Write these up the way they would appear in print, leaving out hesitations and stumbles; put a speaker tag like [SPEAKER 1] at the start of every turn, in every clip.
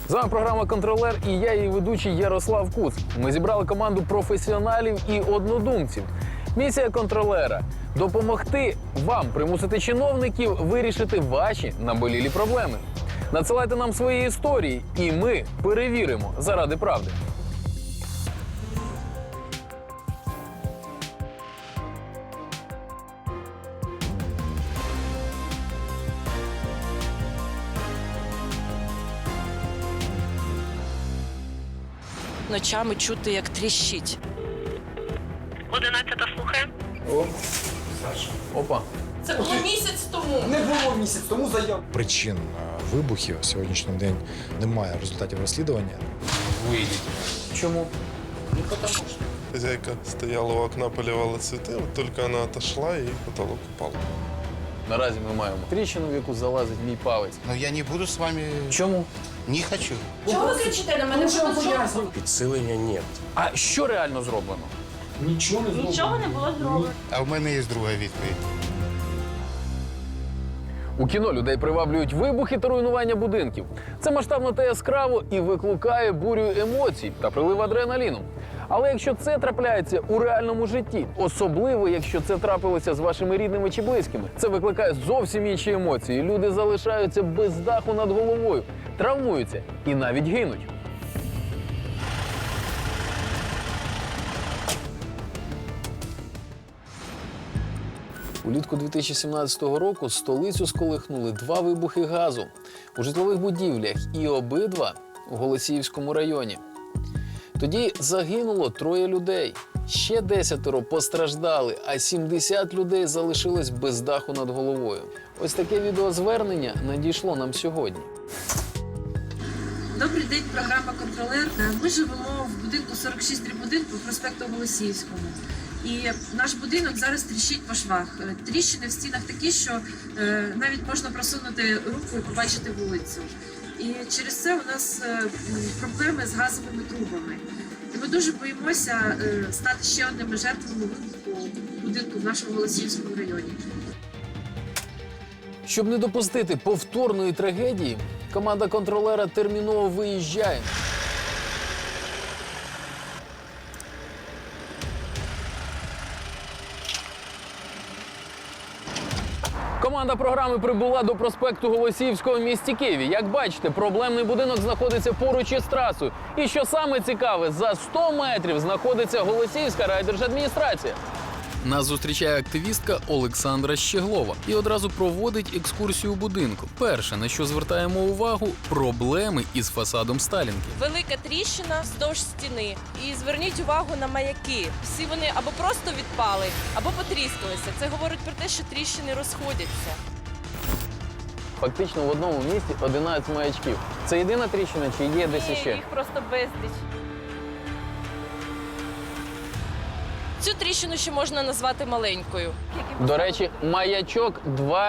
[SPEAKER 1] З вами програма «Контролер» і я, її ведучий Ярослав Куц. Ми зібрали команду професіоналів і однодумців. Місія контролера – допомогти вам примусити чиновників вирішити ваші наболілі проблеми. Надсилайте нам свої історії, і ми перевіримо заради правди.
[SPEAKER 2] Ночами чути, як тріщить.
[SPEAKER 3] 11-та слухає.
[SPEAKER 4] О, Саша.
[SPEAKER 1] Опа.
[SPEAKER 2] Це було місяць тому.
[SPEAKER 4] Не було місяць тому заяв.
[SPEAKER 5] Причин вибухів сьогоднішній день немає результатів розслідування.
[SPEAKER 1] Чому?
[SPEAKER 6] Хозяйка стояла у окна, поливала цветы, вот только она отошла и потолок упал.
[SPEAKER 1] Наразі ми маємо тріщину, в яку залазить мій палець.
[SPEAKER 7] Но я не буду с вами...
[SPEAKER 1] Чому?
[SPEAKER 7] Не хочу.
[SPEAKER 2] Чого ви кричите на мене?
[SPEAKER 8] Підсилення нет.
[SPEAKER 1] А що реально зроблено?
[SPEAKER 4] Нічого не зроблено.
[SPEAKER 3] Нічого не було зроблено.
[SPEAKER 7] А в мене є друга відповідь.
[SPEAKER 1] У кіно людей приваблюють вибухи та руйнування будинків. Це масштабно та яскраво і викликає бурю емоцій та прилив адреналіну. Але якщо це трапляється у реальному житті, особливо якщо це трапилося з вашими рідними чи близькими, це викликає зовсім інші емоції. Люди залишаються без даху над головою, травмуються і навіть гинуть. Улітку 2017 року столицю сколихнули два вибухи газу у житлових будівлях і обидва у Голосіївському районі. Тоді загинуло 3 людей, ще 10 постраждали, а 70 людей залишилось без даху над головою. Ось таке відеозвернення надійшло нам сьогодні.
[SPEAKER 9] Добрий день, програма «Контролер». Ми живемо в будинку 46/1 по проспекту Голосіївському. І наш будинок зараз тріщить по швах. Тріщини в стінах такі, що навіть можна просунути руку і побачити вулицю. І через це у нас проблеми з газовими трубами. І ми дуже боїмося стати ще одними жертвами вибуху будинку в нашому Голосіївському районі.
[SPEAKER 1] Щоб не допустити повторної трагедії, команда контролера терміново виїжджає. Команда програми прибула до проспекту Голосіївського в місті Києві. Як бачите, проблемний будинок знаходиться поруч із трасою. І що саме цікаве, за 100 метрів знаходиться Голосіївська райдержадміністрація. Нас зустрічає активістка Олександра Щеглова і одразу проводить екскурсію будинку. Перше, на що звертаємо увагу – проблеми із фасадом Сталінки.
[SPEAKER 2] Велика тріщина вздовж стіни. І зверніть увагу на маяки. Всі вони або просто відпали, або потріскалися. Це говорить про те, що тріщини розходяться.
[SPEAKER 1] Фактично в одному місці 11 маячків. Це єдина тріщина чи є десь іще?
[SPEAKER 2] Їх просто безліч. Цю тріщину ще можна назвати маленькою.
[SPEAKER 1] До речі, маячок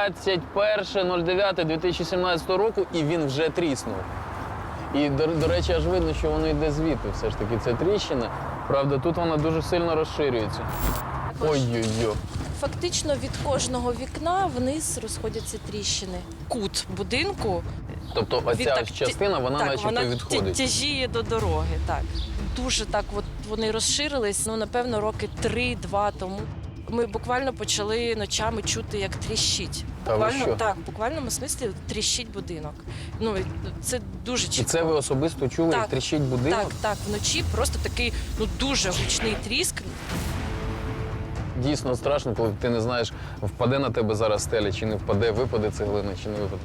[SPEAKER 1] 21.09.2017 року, і він вже тріснув. І, до речі, аж видно, що воно йде звідти все ж таки, ця тріщина. Правда, тут вона дуже сильно розширюється. Ой-ой-ой.
[SPEAKER 2] Фактично від кожного вікна вниз розходяться тріщини. Кут будинку.
[SPEAKER 1] Тобто оця ось частина, вона начебто
[SPEAKER 2] вона
[SPEAKER 1] відходить.
[SPEAKER 2] тяжіє до дороги, так. Дуже так от вони розширились, напевно, роки 3-2 тому. Ми буквально почали ночами чути, як тріщить.
[SPEAKER 1] Та ви що?
[SPEAKER 2] Так, в буквальному смислі тріщить будинок. І це дуже
[SPEAKER 1] І
[SPEAKER 2] чітко.
[SPEAKER 1] це ви особисто чули, як тріщить будинок?
[SPEAKER 2] Так, вночі просто такий дуже гучний тріск.
[SPEAKER 1] Дійсно страшно, коли ти не знаєш, впаде на тебе зараз стеля, чи не впаде, випаде цеглина, чи не випаде.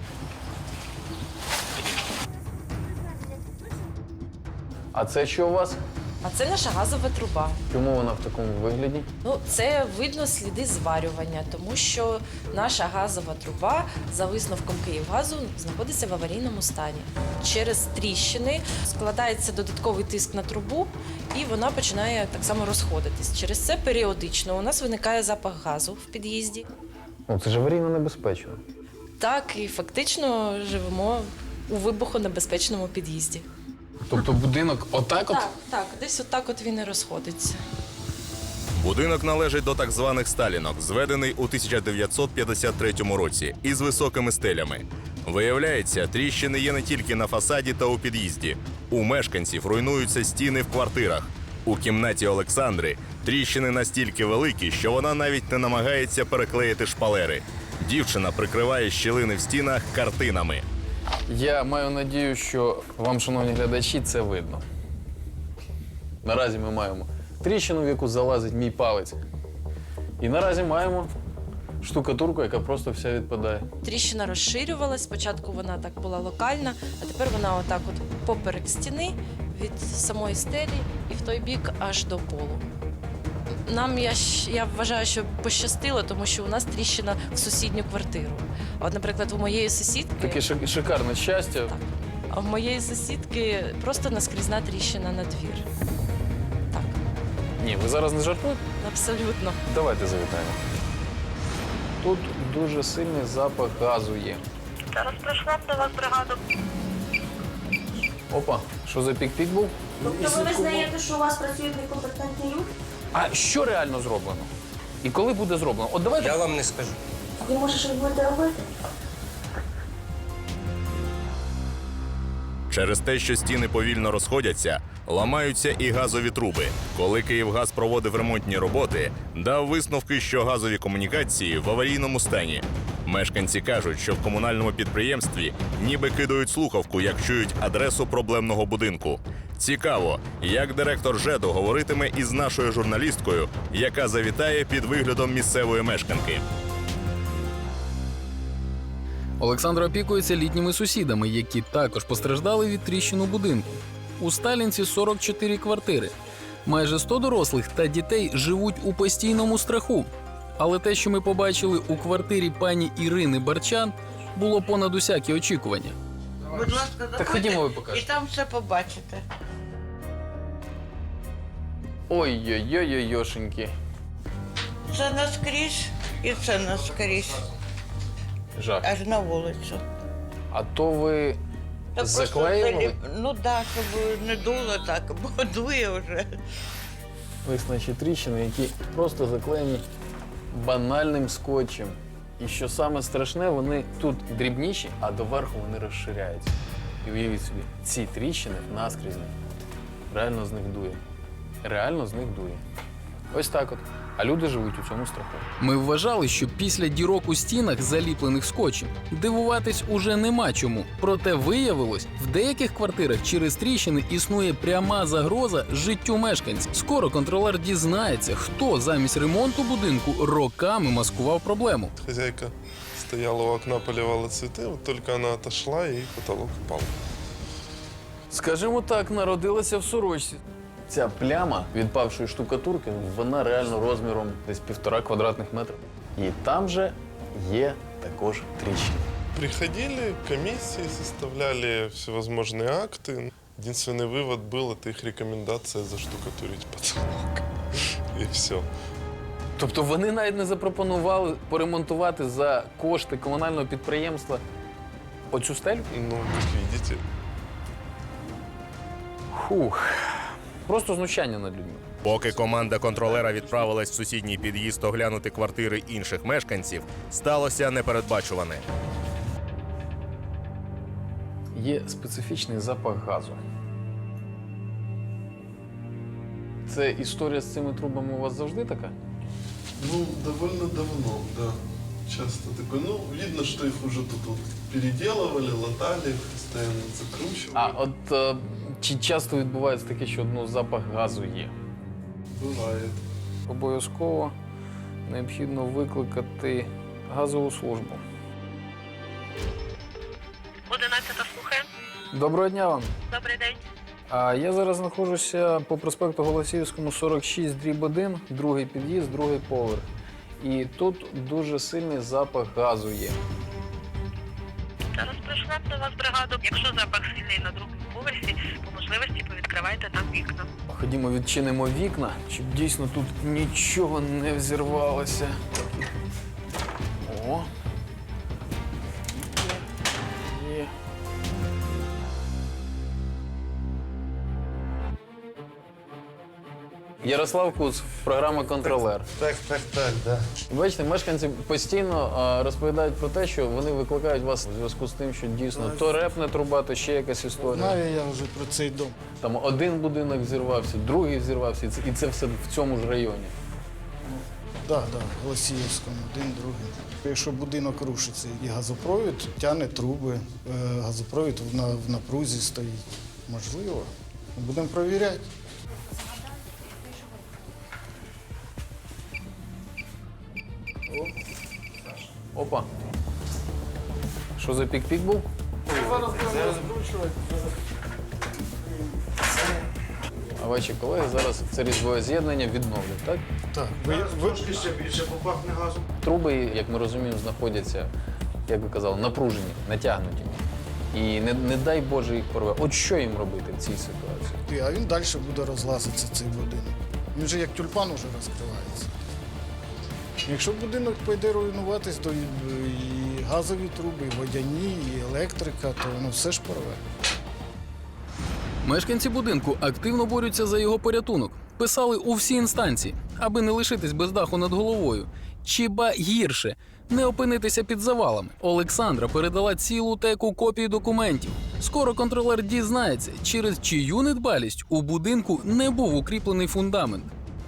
[SPEAKER 1] А це що у вас?
[SPEAKER 2] А це наша газова труба.
[SPEAKER 1] Чому вона в такому вигляді?
[SPEAKER 2] Це видно сліди зварювання, тому що наша газова труба, за висновком Київгазу, знаходиться в аварійному стані. Через тріщини складається додатковий тиск на трубу, і вона починає так само розходитись. Через це періодично у нас виникає запах газу в під'їзді.
[SPEAKER 1] Це ж аварійно небезпечно.
[SPEAKER 2] Так, і фактично живемо у вибухонебезпечному під'їзді.
[SPEAKER 1] Тобто будинок отак от?
[SPEAKER 2] Так, десь отак от він і розходиться.
[SPEAKER 10] Будинок належить до так званих сталінок, зведений у 1953 році із високими стелями. Виявляється, тріщини є не тільки на фасаді та у під'їзді. У мешканців руйнуються стіни в квартирах. У кімнаті Олександри тріщини настільки великі, що вона навіть не намагається переклеїти шпалери. Дівчина прикриває щілини в стінах картинами.
[SPEAKER 1] Я маю надію, що вам, шановні глядачі, це видно. Наразі ми маємо тріщину, в яку залазить мій палець. І наразі маємо штукатурку, яка просто вся відпадає.
[SPEAKER 2] Тріщина розширювалась. Спочатку вона так була локальна, а тепер вона отак от поперек стіни від самої стелі і в той бік аж до полу. Нам, я вважаю, що пощастило, тому що у нас тріщина в сусідню квартиру. От, наприклад, у моєї сусідки...
[SPEAKER 1] Таке шикарне щастя.
[SPEAKER 2] Так. А в моєї сусідки просто наскрізна тріщина на двір. Так,
[SPEAKER 1] Ні, ви зараз не жартуєте?
[SPEAKER 2] абсолютно.
[SPEAKER 1] Давайте завітаємо. Тут дуже сильний запах газу є.
[SPEAKER 3] Зараз прийшла б до вас бригада.
[SPEAKER 1] Опа, що за пік-пік був?
[SPEAKER 3] Тобто ви визнаєте, що у вас працюють некомпетентні люди?
[SPEAKER 1] А що реально зроблено? І коли буде зроблено? От давайте.
[SPEAKER 8] Я вам не скажу.
[SPEAKER 3] Ви, може, щось будете робити?
[SPEAKER 10] Через те, що стіни повільно розходяться, ламаються і газові труби. Коли Київгаз проводив ремонтні роботи, дав висновки, що газові комунікації в аварійному стані. Мешканці кажуть, що в комунальному підприємстві ніби кидають слухавку, як чують адресу проблемного будинку. Цікаво, як директор ЖЕДу говоритиме із нашою журналісткою, яка завітає під виглядом місцевої мешканки.
[SPEAKER 1] Олександр опікується літніми сусідами, які також постраждали від тріщин у будинку. У Сталінці 44 квартири. Майже 100 дорослих та дітей живуть у постійному страху. Але те, що ми побачили у квартирі пані Ірини Барчан, було понад усякі очікування.
[SPEAKER 11] Будь ласка, заходьте,
[SPEAKER 1] Так ходімо, ви
[SPEAKER 11] і
[SPEAKER 1] покажете.
[SPEAKER 11] там все побачите.
[SPEAKER 1] Ой-ой-ой-ой-йошеньки.
[SPEAKER 11] Це наскрізь і це наскрізь,
[SPEAKER 1] Жах.
[SPEAKER 11] аж на вулицю.
[SPEAKER 1] А то ви
[SPEAKER 11] Та просто
[SPEAKER 1] заклеювали?
[SPEAKER 11] Ну так, щоб не дуло так, бо дує вже.
[SPEAKER 1] Виснажі тріщини, які просто заклеєні банальним скотчем. І що саме страшне, вони тут дрібніші, а доверху вони розширяються. І уявіть собі, ці тріщини наскрізні. Реально з них дує. Реально з них дує. Ось так от. А люди живуть у цьому страху. Ми вважали, що після дірок у стінах, заліплених скотчем, дивуватись уже нема чому. Проте виявилось, в деяких квартирах через тріщини існує пряма загроза життю мешканців. Скоро контролер дізнається, хто замість ремонту будинку роками маскував проблему.
[SPEAKER 6] Хозяйка стояла у окна, поливала цветы, вот только она отошла, и потолок упал.
[SPEAKER 1] Скажімо так, народилася в сорочці. Ця пляма відпавшої штукатурки, вона реально розміром десь 1,5 квадратних метрів. І там же є також тріщини.
[SPEAKER 6] Приходили комиссии, составляли всевозможные акты. Единственный вывод был, это их рекомендация заштукатурить потолок. И все.
[SPEAKER 1] Тобто вони навіть не запропонували поремонтувати за кошти комунального підприємства оцю стелю?
[SPEAKER 6] Ну, как видите.
[SPEAKER 1] Фух. Просто знущання над людьми.
[SPEAKER 10] Поки команда контролера відправилась в сусідній під'їзд оглянути квартири інших мешканців, сталося непередбачуване.
[SPEAKER 1] Є специфічний запах газу. Це історія з цими трубами у вас завжди така?
[SPEAKER 6] Ну, довольно давно, да. Часто такое. Ну, видно, что их уже тут вот переделывали, латали, постоянно закручивали.
[SPEAKER 1] А от чи часто відбувається таке, що запах газу є?
[SPEAKER 6] Бывает.
[SPEAKER 1] Обов'язково необхідно викликати газову службу.
[SPEAKER 3] 11-та слухає.
[SPEAKER 1] Доброго дня вам.
[SPEAKER 3] Добрий день.
[SPEAKER 1] Я зараз знаходжуся по проспекту Голосіївському, 46/1, другий під'їзд, другий поверх. І тут дуже сильний запах газу є.
[SPEAKER 3] Зараз прийшла б до вас бригада. Якщо запах сильний на другому поверсі, по можливості повідкривайте там вікна.
[SPEAKER 1] Ходімо, відчинимо вікна, щоб дійсно тут нічого не взірвалося. О! Є. Ярослав Куц, програма «Контролер».
[SPEAKER 7] Так, да.
[SPEAKER 1] Бачите, мешканці постійно розповідають про те, що вони викликають вас у зв'язку з тим, що дійсно то репне труба, то ще якась історія.
[SPEAKER 7] Знаю я вже про цей дом.
[SPEAKER 1] Там один будинок зірвався, другий зірвався, і це все в цьому ж районі.
[SPEAKER 7] Так, в Голосіївському, один, другий. Якщо будинок рушиться і газопровід тягне труби, газопровід в напрузі стоїть. Можливо. Будемо перевіряти.
[SPEAKER 1] Опа. Що за пік-пік був?
[SPEAKER 7] Зараз будемо розкручувати.
[SPEAKER 1] А ваші колеги зараз це різьбове з'єднання відновлять, так?
[SPEAKER 7] Так, трошки ще більше попахне газу.
[SPEAKER 1] Труби, як ми розуміємо, знаходяться, як ви казали, напружені, натягнуті. І не дай Боже їх порве. От що їм робити в цій ситуації?
[SPEAKER 7] А він далі буде розлазитися, цей будинок. Він же як тюльпан уже розкривається. Якщо будинок пойде руйнуватись, то і газові труби, і водяні, і електрика, то воно все ж порве.
[SPEAKER 1] Мешканці будинку активно борються за його порятунок. Писали у всі інстанції, аби не лишитись без даху над головою. Чи ба гірше – не опинитися під завалами. Олександра передала цілу теку копій документів. Скоро контролер дізнається, через чию недбалість у будинку не був укріплений фундамент.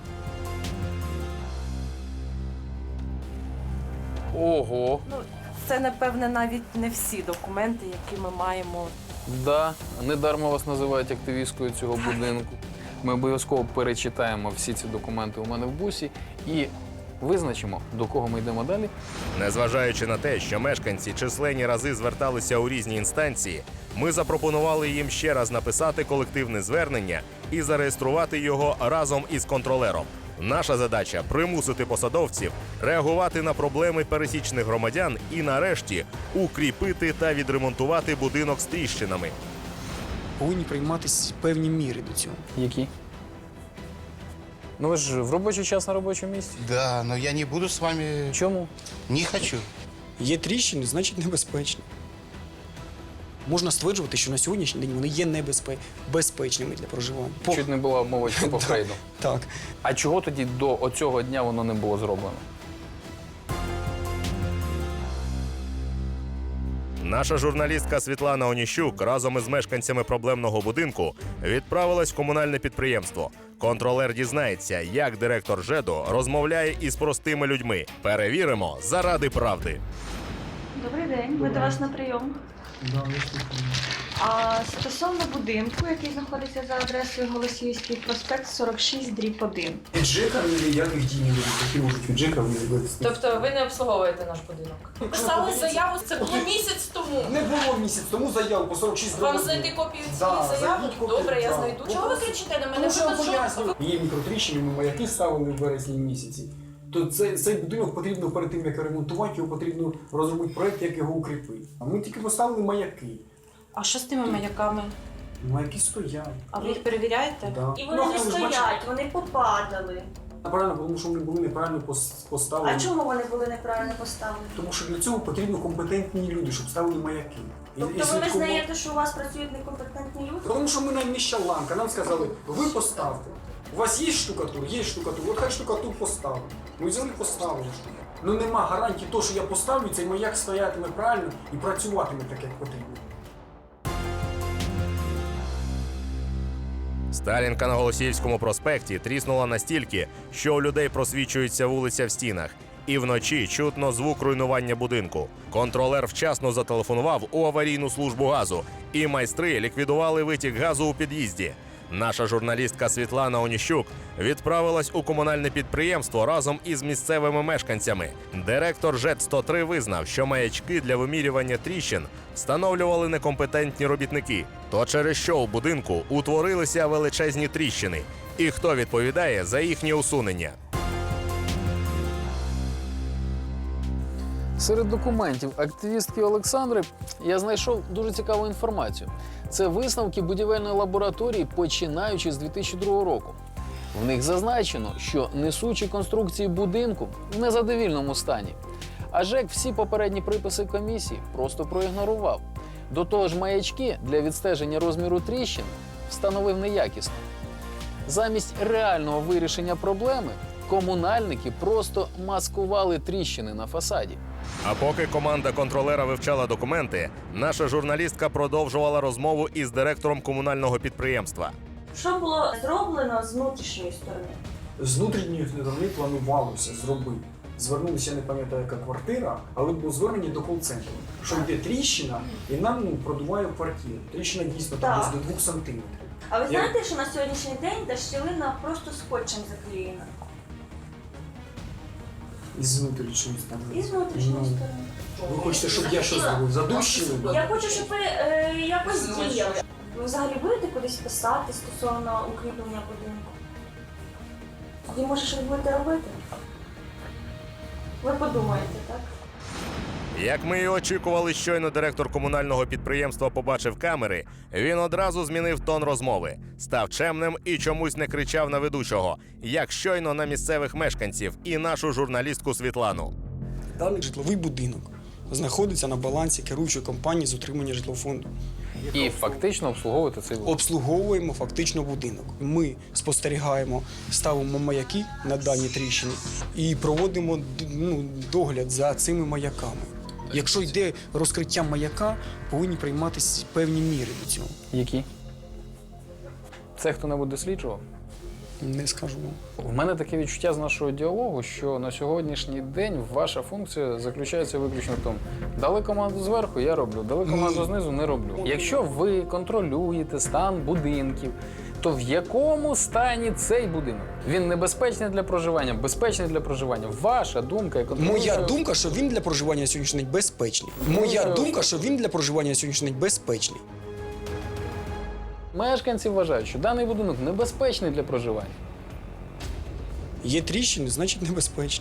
[SPEAKER 1] Ого!
[SPEAKER 2] Це, напевне, навіть не всі документи, які ми маємо.
[SPEAKER 1] Да, недарма вас називають активісткою цього будинку. Ми обов'язково перечитаємо всі ці документи у мене в бусі і визначимо, до кого ми йдемо далі.
[SPEAKER 10] Незважаючи на те, що мешканці численні рази зверталися у різні інстанції, ми запропонували їм ще раз написати колективне звернення і зареєструвати його разом із контролером. Наша задача – примусити посадовців реагувати на проблеми пересічних громадян і, нарешті, укріпити та відремонтувати будинок з тріщинами.
[SPEAKER 4] Повинні прийматися певні міри до цього.
[SPEAKER 1] Які? Ну ви ж в робочий час на робочому місці.
[SPEAKER 7] Да, но я не буду с вами...
[SPEAKER 1] Чому?
[SPEAKER 7] Не хочу.
[SPEAKER 4] Є тріщини, значить небезпечні. Можна стверджувати, що на сьогоднішній день вони є безпечними для проживання.
[SPEAKER 1] Чуть не була мовочка по Фрейду.
[SPEAKER 4] Так.
[SPEAKER 1] А чого тоді до оцього дня воно не було зроблено?
[SPEAKER 10] Наша журналістка Світлана Оніщук разом із мешканцями проблемного будинку відправилась в комунальне підприємство. Контролер дізнається, як директор ЖЕДу розмовляє із простими людьми. Перевіримо заради правди.
[SPEAKER 12] Добрий день, ми до вас на прийом. А стосовно будинку, який знаходиться за адресою Голосіївський проспект 46/1.
[SPEAKER 4] Від ЖЕКа ніяких дій не буде, які можуть від ЖЕКа вивести.
[SPEAKER 2] Тобто ви не обслуговуєте наш будинок? Писали заяву, це було місяць тому.
[SPEAKER 4] Не було місяць тому заяву по 46
[SPEAKER 2] Вам знайти копію цієї заяви? Добре, я знайду. Чого ви кричите на мене?
[SPEAKER 4] Тому що я пояснюю. Є мікротріщини, ми маяки ставили в березні місяці. То цей будинок потрібно перед тим, як ремонтувати, його потрібно розробити проєкт, як його укріпити. А ми тільки поставили маяки.
[SPEAKER 2] А що з тими маяками?
[SPEAKER 4] Маяки стоять.
[SPEAKER 2] А ви їх перевіряєте?
[SPEAKER 4] Да.
[SPEAKER 12] І вони не стоять, вони попадали.
[SPEAKER 4] Правильно, тому що вони були неправильно поставлені.
[SPEAKER 12] А чому вони були неправильно поставлені?
[SPEAKER 4] Тому що для цього потрібно компетентні люди, щоб ставили маяки.
[SPEAKER 12] Тобто ви визнаєте, що у вас працюють некомпетентні люди?
[SPEAKER 4] Тому що ми найнижча ланка, нам сказали, ви поставте. У вас є штукатур? Є штукатур, от хай штукатур поставить. Ми взяли поставили штукатур. Ну нема гарантії того, що я поставлю, цей маяк стоятиме правильно і працюватиме так, як потрібно.
[SPEAKER 10] Сталінка на Голосіївському проспекті тріснула настільки, що у людей просвічується вулиця в стінах. І вночі чутно звук руйнування будинку. Контролер вчасно зателефонував у аварійну службу газу, і майстри ліквідували витік газу у під'їзді. Наша журналістка Світлана Оніщук відправилась у комунальне підприємство разом із місцевими мешканцями. Директор ЖЕД-103 визнав, що маячки для вимірювання тріщин встановлювали некомпетентні робітники. То через що у будинку утворилися величезні тріщини? І хто відповідає за їхнє усунення?
[SPEAKER 1] Серед документів активістки Олександри я знайшов дуже цікаву інформацію. Це висновки будівельної лабораторії, починаючи з 2002 року. В них зазначено, що несучі конструкції будинку в незадовільному стані. А ЖЕК всі попередні приписи комісії просто проігнорував. До того ж, маячки для відстеження розміру тріщин встановив неякісно. Замість реального вирішення проблеми комунальники просто маскували тріщини на фасаді.
[SPEAKER 10] А поки команда контролера вивчала документи, наша журналістка продовжувала розмову із директором комунального підприємства.
[SPEAKER 12] Що було зроблено з внутрішньої сторони?
[SPEAKER 4] З внутрішньої сторони планувалося зробити. Звернулися, я не пам'ятаю, яка квартира, але було звернення до кол-центру, що йде тріщина і нам продуває квартиру. Тріщина дійсно там десь до 2 сантиметрів.
[SPEAKER 12] А ви знаєте, що на сьогоднішній день та щілина просто скотчем заклеєна?
[SPEAKER 4] Із внутрішньої сторони.
[SPEAKER 12] І з внутрішньої сторони.
[SPEAKER 4] Ви хочете, щоб я що зробив? Задущили?
[SPEAKER 12] Я хочу, щоб ви якось діяли. Ви взагалі будете кудись писати стосовно укріплення будинку? Тоді, може, що ви будете робити? Ви подумаєте, так?
[SPEAKER 10] Як ми і очікували, щойно директор комунального підприємства побачив камери, він одразу змінив тон розмови, став чемним і чомусь не кричав на ведучого, як щойно на місцевих мешканців і нашу журналістку Світлану.
[SPEAKER 13] Даний житловий будинок знаходиться на балансі керуючої компанії з утримання житлового фонду.
[SPEAKER 1] І фактично обслуговувати цей будинок.
[SPEAKER 13] Обслуговуємо фактично будинок. Ми спостерігаємо, ставимо маяки на дані тріщини і проводимо догляд за цими маяками. Якщо йде розкриття маяка, повинні прийматися певні міри до цього.
[SPEAKER 1] Які? Це хто-небудь досліджував?
[SPEAKER 13] Не скажу вам.
[SPEAKER 1] У мене таке відчуття з нашого діалогу, що на сьогоднішній день ваша функція заключається виключно в тому, дали команду зверху, я роблю, дали команду знизу, не роблю. Якщо ви контролюєте стан будинків, то в якому стані цей будинок? Він небезпечний для проживання, безпечний для проживання. Ваша думка, як
[SPEAKER 13] Моя думка, що він для проживання на сьогоднішній день безпечний. Моя думка, що він для проживання на сьогоднішній день безпечний.
[SPEAKER 1] Мешканці вважають, що даний будинок небезпечний для проживання.
[SPEAKER 13] Є тріщини, значить небезпечні.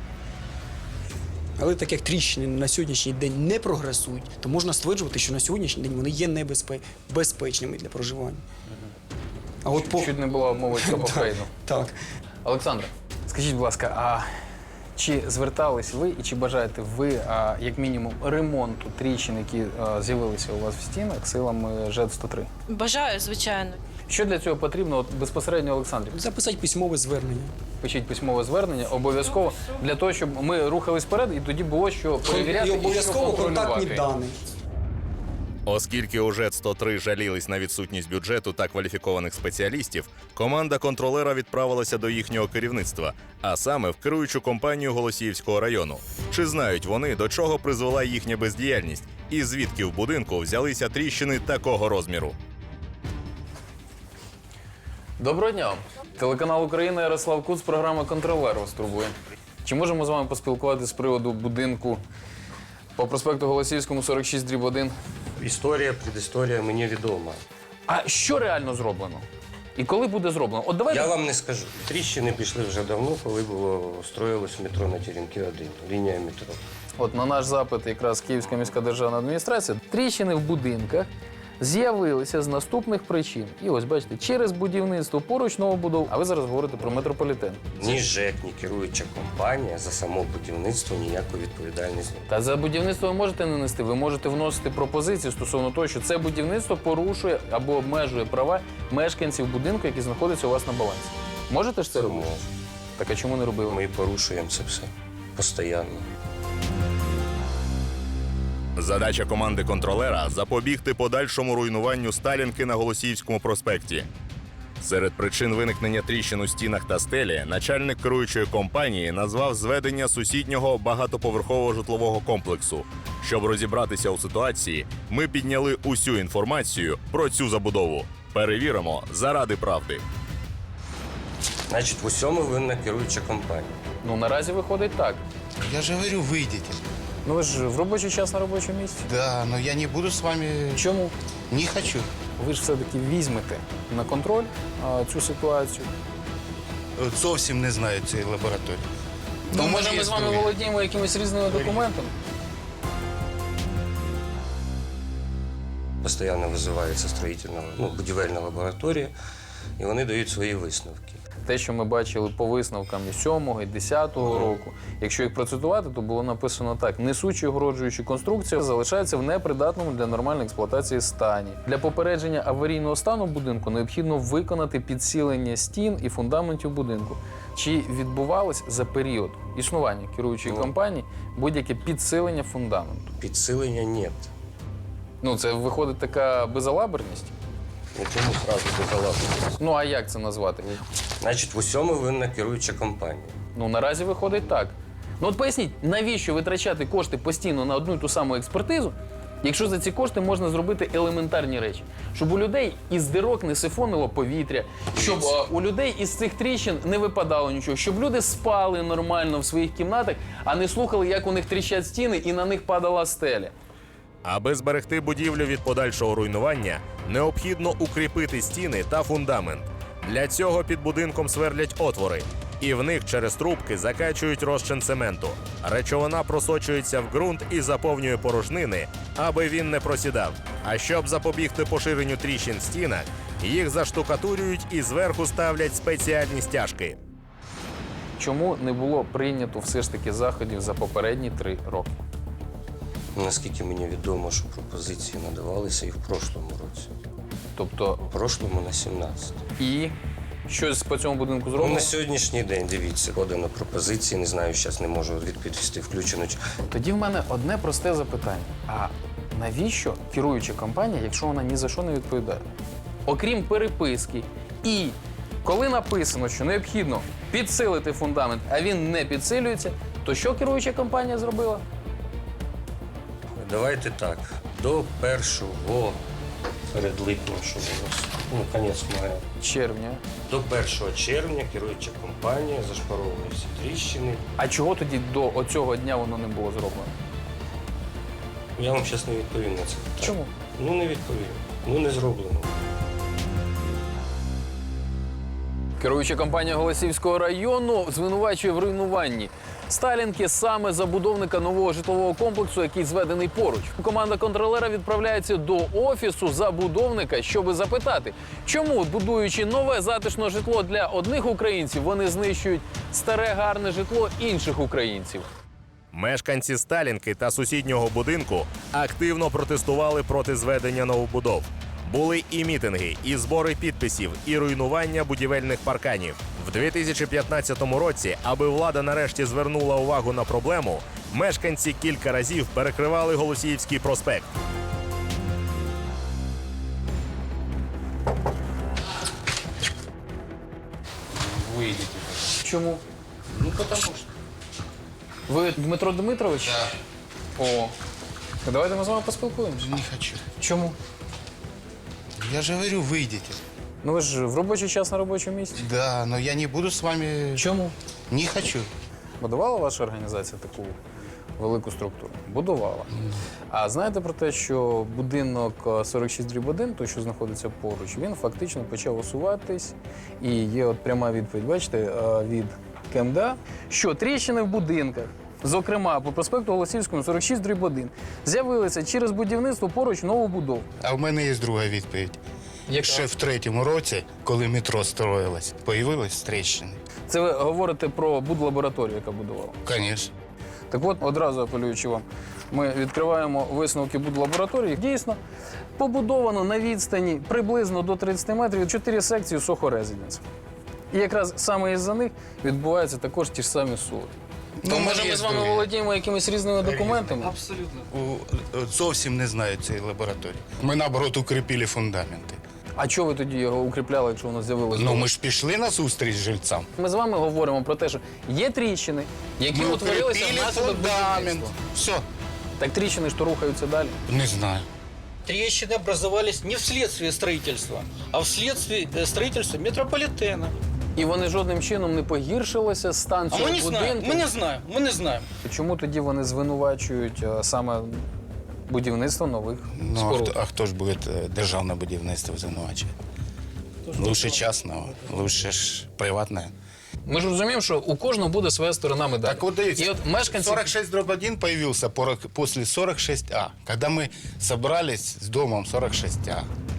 [SPEAKER 13] Але так як тріщини на сьогоднішній день не прогресують, то можна стверджувати, що на сьогоднішній день вони є безпечними для проживання. А от
[SPEAKER 1] Чуть не було мови про Хейну.
[SPEAKER 13] Так.
[SPEAKER 1] Олександре, скажіть, будь ласка, а чи звертались ви і чи бажаєте ви, як мінімум, ремонту тріщин, які з'явилися у вас в стінах силами ЖЕД-103?
[SPEAKER 2] Бажаю, звичайно.
[SPEAKER 1] Що для цього потрібно от безпосередньо Олександрі?
[SPEAKER 13] Записати письмове звернення.
[SPEAKER 1] Пишіть письмове звернення обов'язково для того, щоб ми рухались вперед і тоді було що перевіряти
[SPEAKER 13] І обов'язково
[SPEAKER 1] і що
[SPEAKER 13] контактні
[SPEAKER 1] контролювати.
[SPEAKER 13] дані.
[SPEAKER 10] Оскільки у ЖЕД-103 жалілись на відсутність бюджету та кваліфікованих спеціалістів, команда контролера відправилася до їхнього керівництва, а саме в керуючу компанію Голосіївського району. Чи знають вони, до чого призвела їхня бездіяльність і звідки в будинку взялися тріщини такого розміру?
[SPEAKER 1] Доброго дня. Телеканал Україна, Ярослав Куц, програма «Контролер» вас турбує. Чи можемо з вами поспілкуватися з приводу будинку по проспекту Голосіївському, 46/1?
[SPEAKER 8] Історія, предісторія мені відома.
[SPEAKER 1] А що реально зроблено? І коли буде зроблено? От давайте...
[SPEAKER 8] Я вам не скажу. Тріщини пішли вже давно, коли строїлось метро на Теремки 1, лінія метро.
[SPEAKER 1] От на наш запит якраз Київська міська державна адміністрація, тріщини в будинках з'явилися з наступних причин. І ось, бачите, через будівництво поруч новобудов, а ви зараз говорите про метрополітен.
[SPEAKER 8] Ні ЖЕК, ні керуюча компанія за само будівництво ніякої відповідальності.
[SPEAKER 1] Та за будівництво ви можете не нести, ви можете вносити пропозиції стосовно того, що це будівництво порушує або обмежує права мешканців будинку, які знаходяться у вас на балансі. Можете ж це робити?
[SPEAKER 8] Можу.
[SPEAKER 1] Так а чому не робили?
[SPEAKER 8] Ми порушуємо це все постійно.
[SPEAKER 10] Задача команди контролера – запобігти подальшому руйнуванню Сталінки на Голосіївському проспекті. Серед причин виникнення тріщин у стінах та стелі начальник керуючої компанії назвав зведення сусіднього багатоповерхового житлового комплексу. Щоб розібратися у ситуації, ми підняли усю інформацію про цю забудову. Перевіримо заради правди.
[SPEAKER 8] Значить, в усьому винна керуюча компанія.
[SPEAKER 1] Ну, наразі виходить так.
[SPEAKER 14] Я же говорю, выйдите.
[SPEAKER 1] Ну, ви ж в робочий час на робочому місці.
[SPEAKER 14] Да, но я не буду с вами...
[SPEAKER 1] Чому?
[SPEAKER 14] Не хочу.
[SPEAKER 1] Ви ж все-таки візьмете на контроль цю ситуацію.
[SPEAKER 14] От зовсім не знаю цієї лабораторії.
[SPEAKER 1] То може ми з вами володіємо якимись різними документами?
[SPEAKER 8] Постійно визивається будівельна лабораторія і вони дають свої висновки.
[SPEAKER 1] Те, що ми бачили по висновкам і 7-го, і 10-го року, якщо їх процитувати, то було написано так: несучі огороджуючі конструкції залишаються в непридатному для нормальної експлуатації стані. Для попередження аварійного стану будинку необхідно виконати підсилення стін і фундаментів будинку. Чи відбувалось за період існування керуючої компанії будь-яке підсилення фундаменту?
[SPEAKER 8] Підсилення – ні.
[SPEAKER 1] Ну, це виходить така безалаберність?
[SPEAKER 8] Чому одразу безалаберність?
[SPEAKER 1] Ну, а як це назвати?
[SPEAKER 8] Значить, в усьому винна керуюча компанія.
[SPEAKER 1] Ну, наразі виходить так. Ну, от поясніть, навіщо витрачати кошти постійно на одну і ту саму експертизу, якщо за ці кошти можна зробити елементарні речі? Щоб у людей із дирок не сифонило повітря, щоб у людей із цих тріщин не випадало нічого, щоб люди спали нормально в своїх кімнатах, а не слухали, як у них тріщать стіни і на них падала стеля.
[SPEAKER 10] Аби зберегти будівлю від подальшого руйнування, необхідно укріпити стіни та фундамент. Для цього під будинком сверлять отвори, і в них через трубки закачують розчин цементу. Речовина просочується в ґрунт і заповнює порожнини, аби він не просідав. А щоб запобігти поширенню тріщин в стінах, їх заштукатурюють і зверху ставлять спеціальні стяжки.
[SPEAKER 1] Чому не було прийнято все ж таки заходів за попередні 3 роки?
[SPEAKER 8] Наскільки мені відомо, що пропозиції надавалися і в прошлому році.
[SPEAKER 1] Тобто?
[SPEAKER 8] В прошлому на 17.
[SPEAKER 1] І щось по цьому будинку зроблено?
[SPEAKER 8] На сьогоднішній день, дивіться, подано пропозиції, не знаю, зараз не можу відповісти, включено.
[SPEAKER 1] Тоді в мене одне просте запитання. А навіщо керуюча компанія, якщо вона ні за що не відповідає? Окрім переписки, і коли написано, що необхідно підсилити фундамент, а він не підсилюється, то що керуюча компанія зробила?
[SPEAKER 8] Давайте так, до 1-го, перед липнем, що у нас, кінець мая.
[SPEAKER 1] Червня.
[SPEAKER 8] До 1 червня керуюча компанія зашпаровує всі тріщини.
[SPEAKER 1] А чого тоді до оцього дня воно не було зроблено?
[SPEAKER 8] Я вам зараз не відповім на це питання.
[SPEAKER 1] Чому?
[SPEAKER 8] Не відповім. Не зроблено.
[SPEAKER 1] Керуюча компанія Голосіївського району звинувачує в руйнуванні Сталінки саме забудовника нового житлового комплексу, який зведений поруч. Команда контролера відправляється до офісу забудовника, щоби запитати, чому, будуючи нове затишне житло для одних українців, вони знищують старе гарне житло інших українців.
[SPEAKER 10] Мешканці Сталінки та сусіднього будинку активно протестували проти зведення новобудов. Були і мітинги, і збори підписів, і руйнування будівельних парканів. В 2015 році, аби влада нарешті звернула увагу на проблему, мешканці кілька разів перекривали Голосіївський проспект.
[SPEAKER 1] Вийдіть. Чому? Тому що. Ви Дмитро Дмитрович? Так. О. Давайте ми з вами поспілкуємося.
[SPEAKER 14] Не хочу.
[SPEAKER 1] Чому?
[SPEAKER 14] Я же говорю, выйдите.
[SPEAKER 1] Ну ви ж в робочий час на робочому місці.
[SPEAKER 14] Да, но я не буду с вами...
[SPEAKER 1] Чому?
[SPEAKER 14] Не хочу.
[SPEAKER 1] Будувала ваша організація таку велику структуру? Будувала. А знаєте про те, що будинок 46/1, той, що знаходиться поруч, він фактично почав усуватись. І є от пряма відповідь, бачите, від КМДА, що тріщини в будинках, зокрема по проспекту Голосіївському 46/1, з'явилися через будівництво поруч новобудов.
[SPEAKER 14] А в мене є друга відповідь.
[SPEAKER 1] Яка?
[SPEAKER 14] Ще в 3-му році, коли метро строїлось, появились тріщини.
[SPEAKER 1] Це ви говорите про будлабораторію, яка будувала?
[SPEAKER 14] Звісно.
[SPEAKER 1] Так от, одразу апелюючи вам, ми відкриваємо висновки будлабораторії. Дійсно, побудовано на відстані приблизно до 30 метрів 4 секції Soho Residence. І якраз саме із-за них відбуваються також ті ж самі суди. Ну, може, ми з вами володіємо якимись різними документами?
[SPEAKER 14] Абсолютно. Зовсім не знаю цієї лабораторії. Ми, наоборот, укріпили фундаменти.
[SPEAKER 1] А чого ви тоді його укріпляли, якщо воно з'явилося?
[SPEAKER 14] Ну, ми ж пішли на зустріч жильцям.
[SPEAKER 1] Ми з вами говоримо про те, що є тріщини, які утворилися внаслідок будівництва.
[SPEAKER 14] Все.
[SPEAKER 1] Так тріщини ж то рухаються далі.
[SPEAKER 14] Не знаю.
[SPEAKER 15] Трещины образовались не вследствие строительства, а вследствие строительства метрополитена.
[SPEAKER 1] І вони жодним чином не погіршилися, стан цього будинку?
[SPEAKER 15] Ми не знаємо.
[SPEAKER 1] Чому тоді вони звинувачують саме будівництво нових споруд?
[SPEAKER 14] А хто ж буде державне будівництво звинувачувати? Лучше частного, лучше ж приватне.
[SPEAKER 1] Ми ж розуміємо, що у кожного буде своя сторона медалі.
[SPEAKER 14] Так вот, дивіться,
[SPEAKER 1] І от мешканці...
[SPEAKER 14] 46/1 появился после 46А. Когда мы собрались с домом 46А.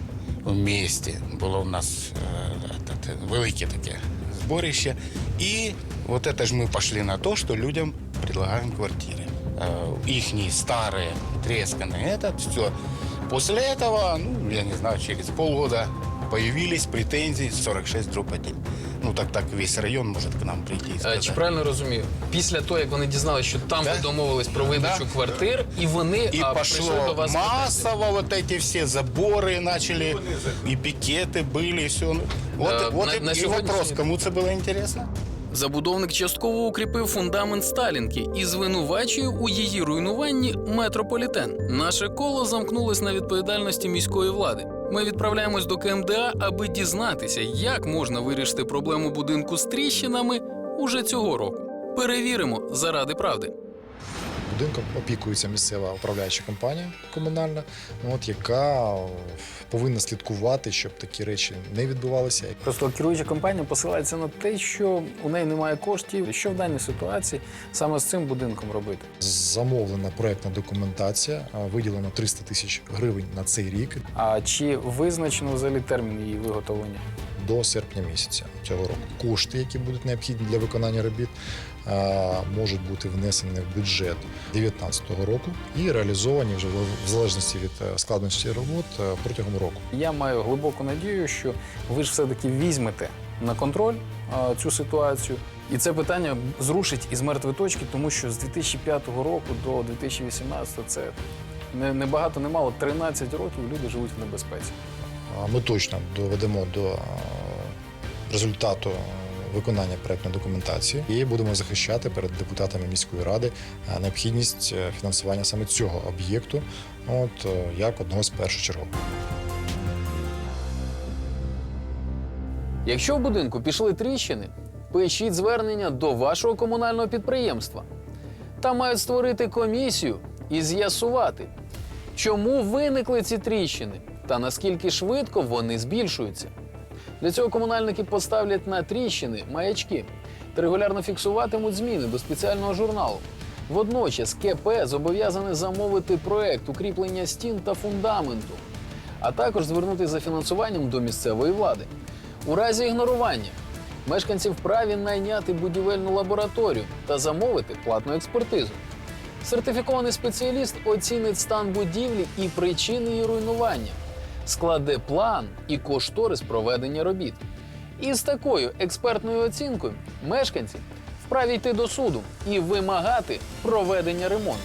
[SPEAKER 14] в місті. Було у нас велике таке зборище. І вот это ж ми пішли на те, що людям предлагаємо квартири. Їхні старі, трескані, все. После этого, ну, я не знаю, через полгода появились претензии 46/1. Ну, так весь район может к нам прийти и сказать.
[SPEAKER 1] Чи правильно розумію? Після того, як вони дізналися, що там ви домовились про видачу квартир, і вони
[SPEAKER 14] И
[SPEAKER 1] прийшли до
[SPEAKER 14] пошло
[SPEAKER 1] вас.
[SPEAKER 14] массово вот эти все заборы начали, и пикеты были, и все. Вот
[SPEAKER 1] на
[SPEAKER 14] и
[SPEAKER 1] сегодняшний
[SPEAKER 14] вопрос,
[SPEAKER 1] день.
[SPEAKER 14] кому це було интересно?
[SPEAKER 1] Забудовник частково укріпив фундамент Сталінки і звинувачує у її руйнуванні метрополітен. Наше коло замкнулось на відповідальності міської влади. Ми відправляємось до КМДА, аби дізнатися, як можна вирішити проблему будинку з тріщинами уже цього року. Перевіримо заради правди.
[SPEAKER 5] Будинком опікується місцева управляюча компанія комунальна, яка повинна слідкувати, щоб такі речі не відбувалися.
[SPEAKER 1] Просто керуюча компанія посилається на те, що у неї немає коштів, що в даній ситуації саме з цим будинком робити.
[SPEAKER 5] Замовлена проєктна документація, виділено 300 тисяч гривень на цей рік.
[SPEAKER 1] А чи визначено взагалі термін її виготовлення?
[SPEAKER 5] До серпня місяця цього року. Кошти, які будуть необхідні для виконання робіт, можуть бути внесені в бюджет 2019 року і реалізовані вже в залежності від складності робот протягом року.
[SPEAKER 1] Я маю глибоку надію, що ви ж все-таки візьмете на контроль цю ситуацію. І це питання зрушить із мертвої точки, тому що з 2005 року до 2018 це не багато, не мало, 13 років люди живуть в небезпеці.
[SPEAKER 5] Ми точно доведемо до результату виконання проєктної документації і будемо захищати перед депутатами міської ради необхідність фінансування саме цього об'єкту як одного з першочергових.
[SPEAKER 1] Якщо в будинку пішли тріщини, пишіть звернення до вашого комунального підприємства. Там мають створити комісію і з'ясувати, чому виникли ці тріщини та наскільки швидко вони збільшуються. Для цього комунальники поставлять на тріщини маячки та регулярно фіксуватимуть зміни до спеціального журналу. Водночас КП зобов'язане замовити проект укріплення стін та фундаменту, а також звернутися за фінансуванням до місцевої влади. У разі ігнорування мешканці вправі найняти будівельну лабораторію та замовити платну експертизу. Сертифікований спеціаліст оцінить стан будівлі і причини її руйнування, складе план і кошторис проведення робіт. І з такою експертною оцінкою мешканці вправі йти до суду і вимагати проведення ремонту.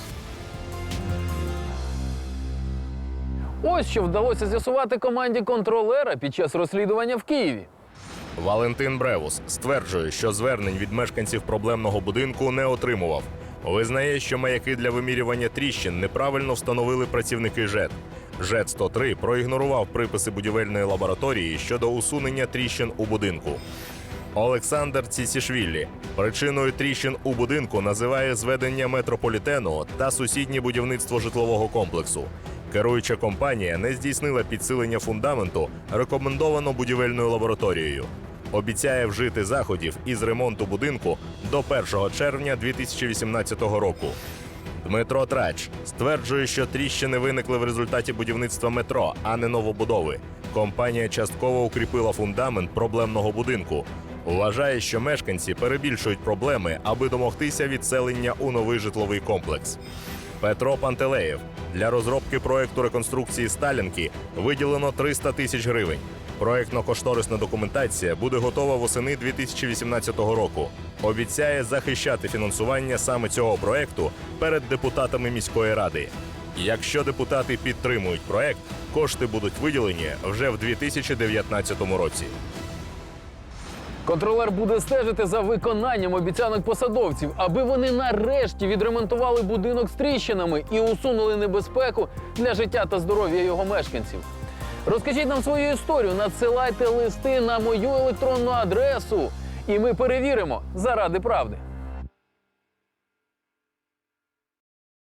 [SPEAKER 1] Ось що вдалося з'ясувати команді контролера під час розслідування в Києві.
[SPEAKER 10] Валентин Бревус стверджує, що звернень від мешканців проблемного будинку не отримував. Визнає, що маяки для вимірювання тріщин неправильно встановили працівники ЖЕД. ЖЕД-103 проігнорував приписи будівельної лабораторії щодо усунення тріщин у будинку. Олександр Цісішвілі причиною тріщин у будинку називає зведення метрополітену та сусіднє будівництво житлового комплексу. Керуюча компанія не здійснила підсилення фундаменту, рекомендовано будівельною лабораторією. Обіцяє вжити заходів із ремонту будинку до 1 червня 2018 року. Дмитро Трач стверджує, що тріщини виникли в результаті будівництва метро, а не новобудови. Компанія частково укріпила фундамент проблемного будинку. Вважає, що мешканці перебільшують проблеми, аби домогтися відселення у новий житловий комплекс. Петро Пантелеєв. Для розробки проекту реконструкції Сталінки виділено 300 тисяч гривень. Проектно-кошторисна документація буде готова восени 2018 року. Обіцяє захищати фінансування саме цього проекту перед депутатами міської ради. Якщо депутати підтримують проект, кошти будуть виділені вже в 2019 році.
[SPEAKER 1] Контролер буде стежити за виконанням обіцянок посадовців, аби вони нарешті відремонтували будинок з тріщинами і усунули небезпеку для життя та здоров'я його мешканців. Розкажіть нам свою історію, надсилайте листи на мою електронну адресу, і ми перевіримо заради правди.